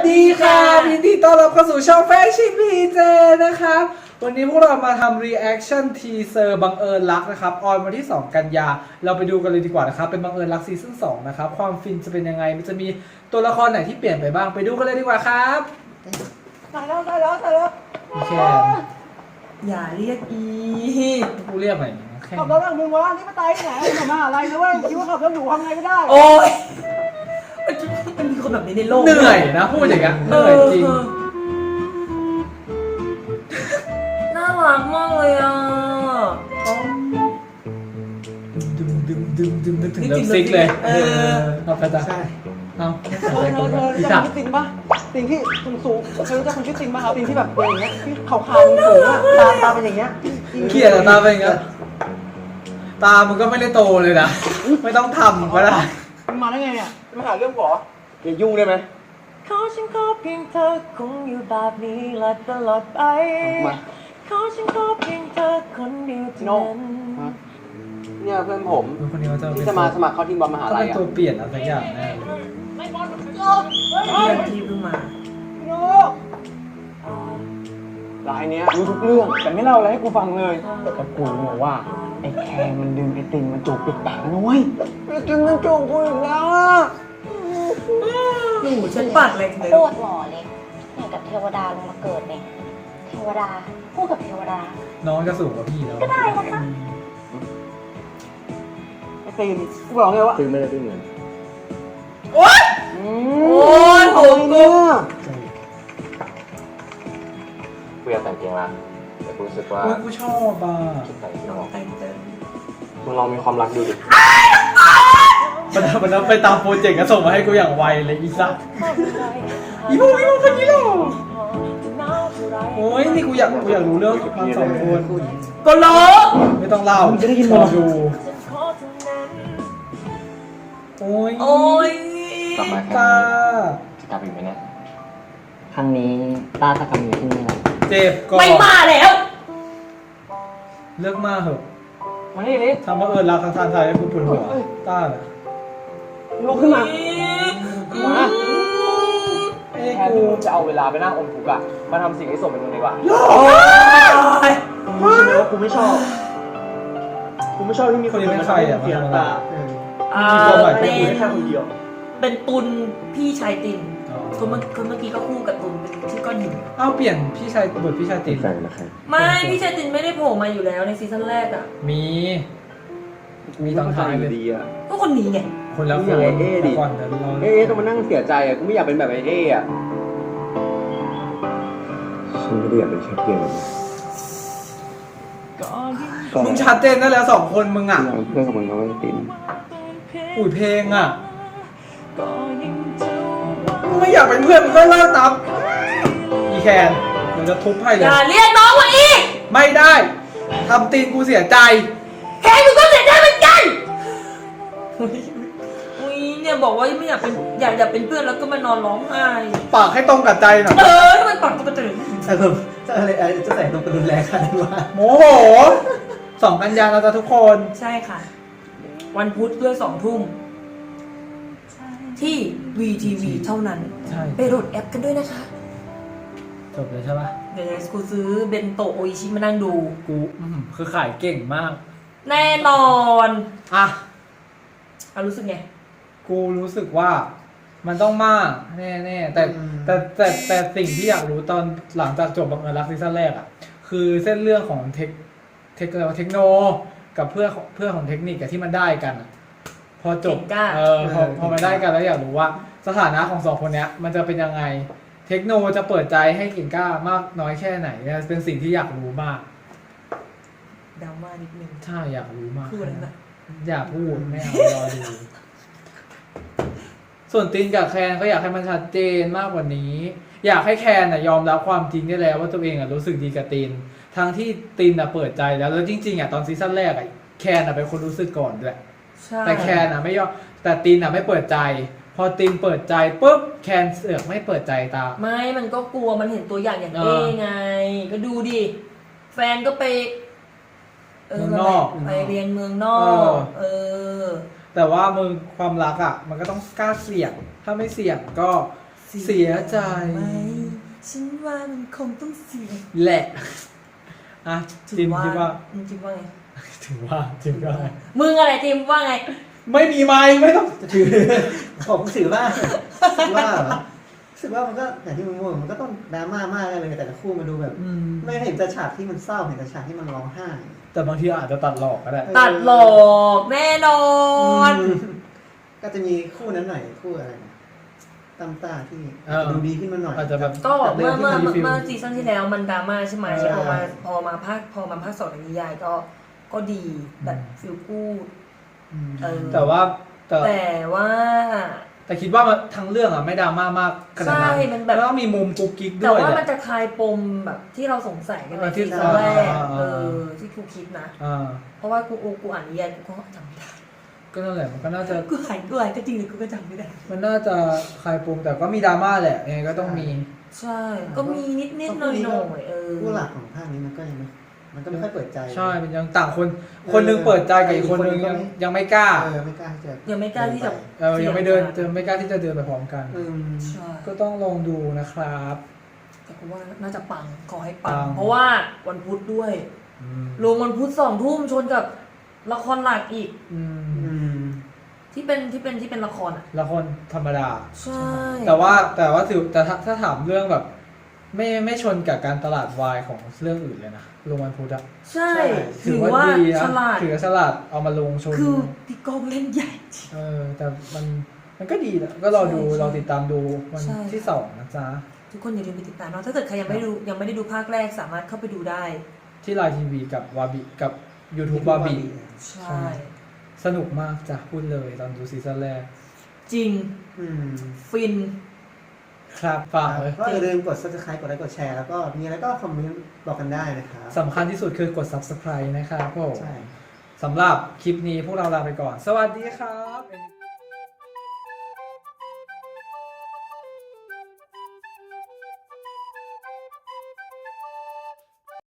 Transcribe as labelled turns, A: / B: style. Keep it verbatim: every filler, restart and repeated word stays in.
A: ดีค่ะยินดีต้อนรับเข้าสู่ช่องแฟชั่นพีเจนะครับวันนี้พวกเรามาทำ reaction teaser บังเอิญรักนะครับออนวันที่สองกันยาเราไปดูกันเลยดีกว่านะครับเป็นบังเอิญรักซีซั่นสองนะครับความฟินจะเป็นยังไงมันจะมีตัวละครไหนที่เปลี่ยนไปบ้างไปดูกันเลยดีกว่าครับ
B: ตายแล้วตายแล้วตายแล้ว
A: โอเค
C: อย่าเรียกอี
A: กูเรียกหน่อยแค่
B: ขับรถแบบมึงวะนี่มาตายที่ไหนมามาอะไรนะเว้ยคิดว่าขับรถหนูทำไงก็ได้
C: โอ้ยมันมีคนแบบนี้ในโลก
A: เหนื่อยนะพูดอย่างเงี้ยเหนื่อยจริง
C: น่ารักมากเลยอ่ะ
A: ดึมดึมดึมดึมนึกถึงเลิฟซิกเลยเออเอาไปจ้ะเอา
B: เธอเธอเธอรู้จักคนชื่อตินปะตินที่สูงสูงเธอรู้จักคนชื่อตินปะครับตินที่แบบเป็นอย่างเงี้ยที่ขาวๆสูงอะตาตาเป็นอย่างเงี้ย
A: เกลียดตาเป็นอย่างเงี้ยตามึงก็ไม่ได้โตเลยนะไม่ต้องทำก็ได้
B: มึงมาได้ไงเนี่ยมาหาเรื่องหรออย่ายุ่งได้ไหม
C: ขอฉันขอเพียงเธอคงอยู่แบบนี้และตลอดไปขอฉันขอเพียงเธอคนเดียวเท่านั้น
B: เนี่ยเพื่อนผม
A: คนนี้เขาจะ
B: ที่จะมาสมัครเข้าทีมบอลมหาลัยอ่ะ
A: ตัวเปลี่ยนอะไรสักอย่างแน่
B: ไม่บอลมันโยก
C: เพื่อนที่เพิ่งมา
B: โยกรายเนี้ยรู้ทุกเรื่องแต่ไม่เล่าอะไรให้กูฟังเลยแต่กูบอกว่าไอ้แคร์มันดึงไอ้ตินมันจูบปิดปากนะเว้ยไอ้ตินมันจูบกูอีกแล้ว
C: หนูฉันปากเล็กเลย
D: โคตรหล่อเลยเนี่ยกับเทวดาลงมาเกิดเนี่ยเทวดาคู่กับเทวดา
A: น้องจะสูงกว่าพี่แล้ว
D: ก็ได้นะคะ
B: ไอ้ตินกูบอกเลยว่า
E: ซื้อไม่ได้ด้วยเงิน
C: โอ๊ยโอ๊ยโหกู
E: กูอยากแต่งเกงละแต่กูรู้สึกว่า
A: กูชอบอ่ะ
E: ชุดแต่งที่เหมาะ
C: แต่งเต็ม
E: มึงลองมีความรักดูดิ
A: มันมันไปตามโปรเจกต์ก็ส่งมาให้กูอย่างไวเลยอีสัสอีโมอีโมคนนี้หรอโอ้ยนี่กูอยากกูอยากรู้เรื่องความสองคน
C: ก็รู้
A: ไม่ต้องเล่า
B: จะได้ยิน
A: รอดูโอ้ย
C: โอ้ย
E: กลับมาครั้งนี้จะกลับอีกไหมเนี่ย
B: ครั้งนี้ตาตะกำอยู่ที่นี่แหละ
A: เจ็บก่อน
C: ไม่มาแล้ว
A: เลิกมาเหอะ
B: มาดิลิ
A: ทำว่าเออรักทางทางไทยให้กูปวดหัวต้าน่ะ
B: ลุกขึ้นมามา
A: เอ้
B: กูจะเอาเวลาไปนั่งอมทุกข์อะมาทำสิ่งที่สมเป็นมึงดีกว่ารู้ใช่ไหมว่ากูไม่ชอบกูไม่ชอบที่มีคนมาเสียตา
C: อ่า
B: เป็นแค่คนเดียว
C: เป็นตุนพี่ชายตินคนเมื่อคนเมื่อกี้ก็คู่กับตุนเป็นชื่อก้อนหิน
A: อ้าวเปลี่ยนพี่ชายบทพี่ชายติน
C: ไม่พี่ชายตินไม่ได้โผล่มาอยู่แล้วในซีซั่นแรกอ่ะ
A: มีมีตอนท้ายเลย
C: ก็คนนี้ไง
A: คนแล้วคน
B: เอ๊ดิเอ๊ต้องมานั่งเสียใจอ่ะกูไม่อยากเป็นแบบไอ้เอ๊อ่ะ
E: ฉันไม่ได้อยากเป็นแค่เพื่อน
A: มึงชัดเจนนั่นแล้วสองคนมึงอ่ะ
E: เพื่อนกับมึงเขาไม่ติน
A: อุ้ยเพลงอ่ะมึงไม่อยากเป็นเพื่อนมึงก็เลิกตามอีแคนมึงจะทุบให้เลย
C: อย่าเรียกน้องว่าอี
A: ไม่ได้ทำตีนกูเสียใจ
C: แค่กูก็เสียใจเหมือนกันอุ้ยเนี่ยบอกว่าไม่อยากเป็นอยากอยากเป็นเพื่อนแล้วก็มานอนร้องไห้
A: ปากให้ตรงกับใจหน่อย
C: เออทำไมปากตรงกับใจ
A: แต่ผมจะอะไรจะใส่ตรงกระดุมแรงขนาดนี้วะโมโหสองกันยาเราจะทุกคน
C: ใช่ค่ะวันพุธด้วยสองทุ่มที่ วี ที วี เท่านั้นไปโหลดแอปกันด้วยนะคะ
A: จบเลยใช่ปะ
C: เดี๋ยวกูซื้อเบนโตะโออิชิมานั่งดู
A: กูคือขายเก่งมาก
C: แน่นอน
A: อ่ะ
C: เอารู้สึกไง
A: กูรู้สึกว่ามันต้องมากแน่ๆแต่แต่แต่แต่สิ่งที่อยากรู้ตอนหลังจากจบบังเอิญรักซีซั่นแรกอ่ะคือเส้นเรื่องของเทคเทคเทคโนกับเพื่อนเพื่อนของเทคนิคที่มันได้กันพอจบเออพอพอมาได้กันแล้วอยากรู้ว่าสถานะของสองคนเนี้ยมันจะเป็นยังไงเทคโนจะเปิดใจให้กิ่งก้ามากน้อยแค่ไหนเนี่ยเป็นสิ่งที่อยากรู้มาก
C: ดราม่านิดนึง
A: ใช่อยากรู้มาก
C: พูดอะไรนะ
A: อยากพูดไม่เอารอดูส่วนตินกับแคนก็อยากให้มันชัดเจนมากกว่านี้อยากให้แคนน่ะยอมรับความจริงได้แล้วว่าตัวเองอ่ะรู้สึกดีกับตินทั้งที่ตินอ่ะเปิดใจแล้วแล้วจริงๆอ่ะตอนซีซั่นแรกอ่ะแคนอ่ะเป็นคนรู้สึกก่อนด้วยแต่แคนอ่ะไม่ยอมแต่ตินอ่ะไม่เปิดใจพอตินเปิดใจปุ๊บแคนเสือกไม่เปิดใจตา
C: ไม่มันก็กลัวมันเห็นตัวอย่างอย่างเอ้ไงก็ดูดิแฟนก็ไป
A: เมืองนอก
C: ไปเรียนเมืองนอกเออ
A: แต่ว่ามึงความรักอ่ะมันก็ต้องกล้าเสี่ยงถ้าไม่เสี่ยงก็เสียใจ
C: ไหมฉันว่ามันคงต้องเสีย
A: แหละอ่ะจิมคิดว่า
C: มึงคิดว่าไง
A: ถือว่าจิมก็ได้
C: มึงอะไรจิมว่าไง
A: ไม่มีไม้ไม่ต้อง
F: ถือผมถือว่าถือว่าเหรอรู้สึกว่ามันก็อย่างที่มึงบอกมันก็ต้องดราม่ามากเลยแต่ละคู่มาดูแบบ
A: อืม
F: ไม่เห็นแต่ฉากที่มันเศร้าเห็นแต่ฉากที่มันร้องไห้
A: แต่บางทีอาจจะตัดหลอกก็ได้
C: ตัดหลอกแน่นอน
F: อืมก็จะมีคู่นั้นหน่อยคู่อะไรนะตั้มตาที่
A: เออ
F: ดูดีขึ้นมาหน่อย
A: อาจจะแบบ
C: ก็เมื่อเมื่อ
A: แบบ
C: เมื่อ
A: ฟิล
C: เมื่อซีซั่นที่แล้วมันดราม่าใช่ไหม
F: ใช่
C: พอมาพอมาภาคพอมาภาคสองในนิยายก็ก็ดีแบบฟิลกูด
F: อืม
C: เออ
A: แต่ว่าแต่
C: แต่ว่า
A: แต่คิดว่ามันทั้งเรื่องอ่ะไม่ดราม่ามากขนาดนั้น
C: ใช่มันแบบ
A: แล้วก็มีมุมกุ๊กกิ๊ก
C: แต่
A: ด้วย
C: ว่า
A: แห
C: มัน
A: ละ
C: จะคลายปมแบบที่เราสงสัยกันใน
A: เออที่
C: ซีซั่นแรก
A: อ่า
C: เออที่กูคิดนะ
A: อ่า
C: เพราะว่ากูกูอ่านนิยายกูก็จำไม่ได้
A: ก็นั่นแหละมันก็น่าจะ
C: กูอ่านกูอ่านก็จริงเลยกูก็จำไม่ได้
A: มันน่าจะคลายปมแต่ก็มีดราม่าแหละยังไงก็ต้องมี
C: ใช่ ก็มีนิดนิดๆหน่อยหน่อยๆเออ
F: คู่หลักของภาคนี้มันก็ยังไม่มันก็ไม่ค่อยเปิดใจ
A: ใช่มันยังต่างคน คนหนึงเปิดใจกับอีกคนหนึงยังยังไม่กล้า
F: เออไม่กล้าที่จะ
C: ยังไม่กล้าที่จะ
A: เออยังไม่เดินจะไม่กล้าที่จะเดินไปพร้อมกัน
F: อืม
C: ใช่
A: ก็ต้องลองดูนะครับ
C: แต่กูว่าน่าจะปังขอให้ปั
A: ปั
C: ง
A: ง
C: เพราะว่าวันพุธด้วย
A: อืม
C: ลงวันพุธสองทุ่มชนกับละครหลักอีก
A: อืม
F: อืม
C: ที่เป็นที่เป็นที่เป็นละครอ่ะ
A: ละครธรรมดา
C: ใช่
A: แต่ว่าแต่ว่าถือแต่ถ้าถ้าถามเรื่องแบบ ไม่ไม่ชนกับการตลาดวายของเรื่องอื่นเลยนะลงวันพุธอะ
C: ใช่
A: ถื
C: ถื
A: อ
C: อ
A: ว่า
C: ว่า
A: ดีนะ
C: ฉลาด
A: ถือว่าฉลาดเอามาลงชน
C: คือพี่ก้องเล่นใหญ่จริง
A: เออแต่มันมันก็ดีนะก็รอดู
C: ใช่
A: รอติดตามดูวัน
C: ใช่
A: ที่สองนะจ๊ะ
C: ทุกคนอย่าลืมไปติดตามเนาะถ้าเกิดใครยังไม่ดูยังไม่ได้ดูภาคแรกสามารถเข้าไปดูได้
A: ที่ไลน์ทีวีกับวาบิกับ YouTube วาบิ
C: ใช่
A: ใช่ สนุกมากจ้ะพูดเลยตอนดูซีซั่นแรก
C: จริง
F: อืม
C: ฟิน
A: ครับฝากเลย
F: ก็อย่าลืมกด subscribe กดไลค์กดแชร์แล้วก็มีอะไรก็คอมเมนต์บอกกันได้นะครับ
A: สำคัญที่สุดคือกด Subscribe นะครับผม
F: ใช่
A: สำหรับคลิปนี้พวกเราลาไปก่อน สวัสดีครับ